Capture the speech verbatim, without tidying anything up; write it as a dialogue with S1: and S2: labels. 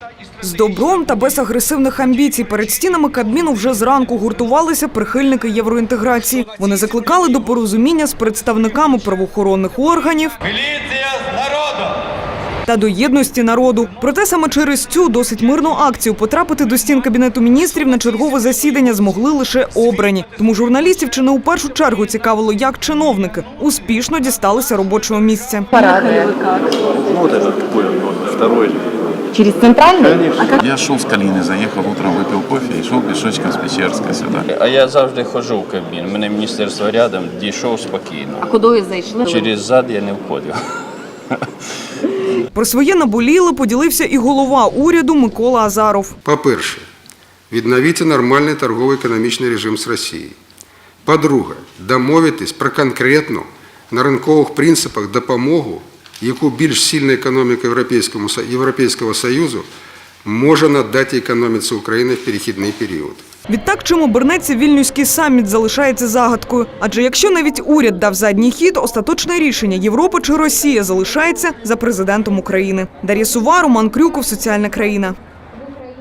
S1: З добром та без агресивних амбіцій перед стінами Кабміну вже зранку гуртувалися прихильники євроінтеграції. Вони закликали до порозуміння з представниками правоохоронних органів та до єдності народу. Проте саме через цю досить мирну акцію потрапити до стін Кабінету міністрів на чергове засідання змогли лише обрані. Тому журналістів чи не у першу чергу цікавило, як чиновники успішно дісталися робочого місця.
S2: Через центральный?
S3: А как... Я шел с Калины, заехал утром, выпил кофе и шел пешочком с Печерска сюда.
S4: А я завжди ходжу в Кабмін. У мене міністерство рядом, дійшов спокійно.
S2: А куди зайшли?
S4: Через зад я не входив.
S1: Про своє наболіле поділився і голова уряду Микола Азаров.
S5: По-перше, відновити нормальний торгово-економічний режим з Росією. По-друге, домовитись про конкретну на ринкових принципах допомогу, яку більш сильна економіка Європейського Союзу може надати економіці України в перехідний період.
S1: Відтак, чим обернеться Вільнюський саміт, залишається загадкою. Адже якщо навіть уряд дав задній хід, остаточне рішення – Європа чи Росія – залишається за президентом України. Дар'я Сува, Роман Крюков, Соціальна країна.